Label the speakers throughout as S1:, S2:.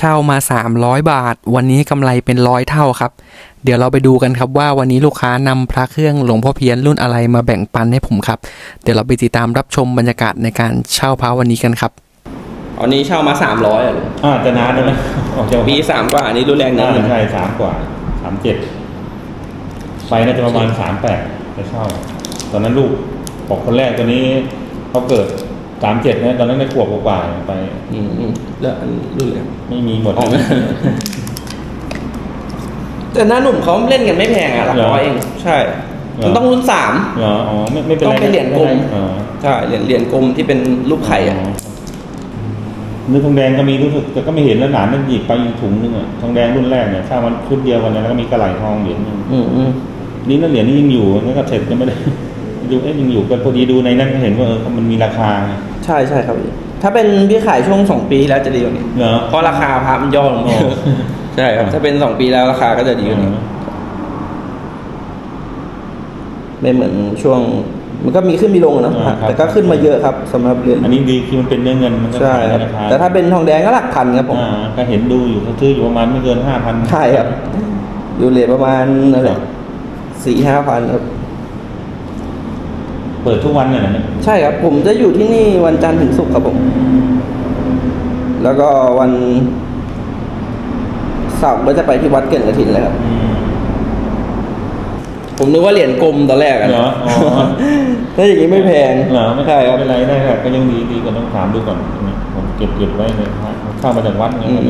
S1: เช่ามา300 บาทวันนี้กำไรเป็น100 เท่าครับเดี๋ยวเราไปดูกันครับว่าวันนี้ลูกค้านำพระเครื่องหลวงพ่อเพี้ยนรุ่นอะไรมาแบ่งปันให้ผมครับเดี๋ยวเราไปติดตามรับชมบรรยากาศในการเช่าพระวันนี้กันครับอันนี้เช่ามา300
S2: จะนานแล้วนะ
S1: ปี3 กว่าอันนี้รุ่นแรงนะ
S2: ใช่3 กว่า37ไปน่าจะประมาณ38ไปเช่าตอนนั้นลูกบอกคนแรกตัวนี้เขาเกิด37นะตอนนั้นได้ขวบกว่าไป
S1: แล้วรุ่นแรง
S2: ไม่มีหมด
S1: แต่หน้าหนุ่มเขาเล่นกันไม่แพงหลักร้อยเองใช่มันต้องรุ่น3
S2: เหรอไม่เป็นไร
S1: ต้องเป็นเหรียญกลมใช่เหรียญกลมที่เป็นรูปไข่
S2: เนื้อทองแดงก็มีรู้สึกแต่ก็ไม่เห็นแล้วหนานนั่นหยิบไปถุงนึงทองแดงรุ่นแรกเนี่ยถ้ามันชุดเดียวกันแล้วก็มีกระไหล่ทองเหรียญนึงนี่นั่นเหรียญนี่ยังอยู่นั่นก็เสร็จยังไม่ได้ดูยังอยู่กันพอดีดูในนั้นเห็นว่ามันมีราคา
S1: ใช่ครับถ้าเป็นพี่ขายช่วง2 ปีแล้วจะดีกว่านี้เพราะราคาพระมันย่อลงใช่ครับถ้าเป็น2 ปีแล้วราคาก็จะดีกว่านี้ไม่เหมือนช่วงมันก็มีขึ้นมีลงนะแต่ก็ขึ้นมาเยอะครับสำหรับเหรียญ
S2: อันนี้ดีคือมันเป็นเนื้อเงินมันก็
S1: ใช่ราคาแต่ถ้าเป็นทองแดงก็หลักพันครับผม
S2: ก็เห็นดูอยู่เขาซื้ออยู่ประมาณไม่เกิน 5,000
S1: ใช่ครับอยู่เหรียญประมาณนั่นแหละ 4-5,000 ครับ
S2: เปิดทุกวันเนี่ยนะ
S1: ใช่ครับผมจะอยู่ที่นี่วันจันทร์ถึงศุกร์ครับผมแล้วก็วันเสาร์ก็จะไปที่วัดเก่งกฐินเลยครับผมนึกว่าเหรียญกลมตอนแรก
S2: เหรอ
S1: ถ้าอย่างนี้ไม่แพง
S2: เหรอไม่ใช่ครับไม่เป็นไรได้ครับก็ยังดีกว่าต้องถามดูก่อนผมเก็บไว้เลยเข้ามาจากวัดเนี่ย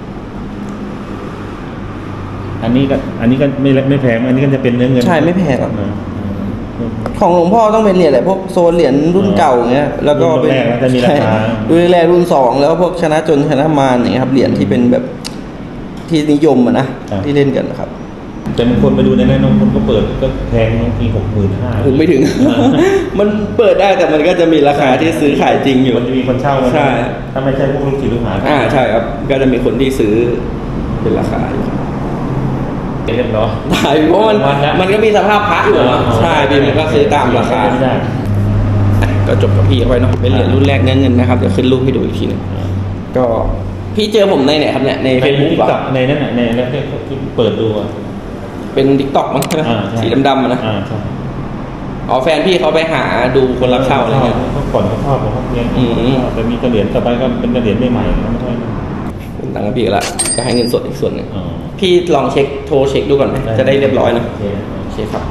S2: อันนี้ก็ไม่แพงอันนี้ก็จะเป็นเนื้อเงิน
S1: ใช่ไม่แพงครับของหลวงพ่อต้องเป็นเหรียญอะไรพวกโซนเหรียญรุ่นเก่าเงี้ยแล้วก็เป็นรุ่นแรกรุ่น2แล้วพวกชนะจนชนะมารอย่างเงี้ยครับเหรียญที่เป็นแบบที่นิยมนะที่เล่นกันนะครับ
S2: แต่บางคนไปดูในนั้นบางคนก็เปิดก็แพงบางที65,000
S1: ผมไม่ถึงมันเปิดได้แต่มันก็จะมีราคาที่ซื้อขายจริงอยู่
S2: มันจะมีคนเช่าใช่ถ้าไม่ใช่พวกลูกศิษย์ลูกหา
S1: ใช่ครับก็จะมีคนที่ซื้อเป็นราคาอยู่
S2: เรียบร้อย
S1: เพราะมันก็มีสภาพพระอยู่นะใช่พี่มันก็ซื้อตามราคาก็จบกับพี่เอาไว้เนาะเป็นเหรียญรุ่นแรกเงินนะครับเดี๋ยวขึ้นรูปให้ดูอีกทีนึงก็พี่เจอผมในไหนครับเนี่ยใน Facebook
S2: ป่ะในนั้นในแล้วที่เปิดดู
S1: เป็น TikTok มั้งสีดำๆนะอ๋อแฟนพี่เขาไปหาดูคนรับเช่าอะไรเงี้ย
S2: เขาก่อนเขาชอบเขาเรียนแต่มีกระเหรียญต่อไปก็เป็นกระเหรียญใหม่ๆไม่ใช่
S1: เป็นตังค์พี่ละก็ให้เงินสดอีกส่วนหนึ่งพี่ลองโทรเช็คดูก่อนไหมจะได้เรียบร้อยนะโอเคครับ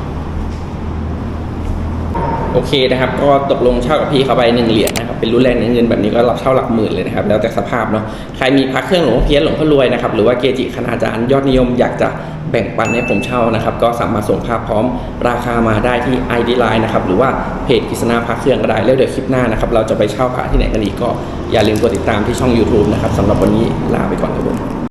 S1: โอเคนะครับก็ตกลงเช่ากับพี่เขาไป1 เหรียญนะครับเป็นรุ่นแรกเงินแบบนี้ก็รับเช่าหลักหมื่นเลยนะครับแล้วแต่สภาพเนาะใครมีพระเครื่องหลวงพ่อเพี้ยนหลวงพ่อรวยนะครับหรือว่าเกจิคณาจารย์ยอดนิยมอยากจะแบ่งปันให้ผมเช่านะครับก็สามารถส่งภาพพร้อมราคามาได้ที่ ID Line นะครับหรือว่าเพจกฤษณาพระเครื่องก็ได้แล้วเดี๋ยวคลิปหน้านะครับเราจะไปเช่าพระที่ไหนกันอีกก็อย่าลืมกดติดตามที่ช่อง YouTube นะครับสำหรับวันนี้ลาไปก่อนครับผม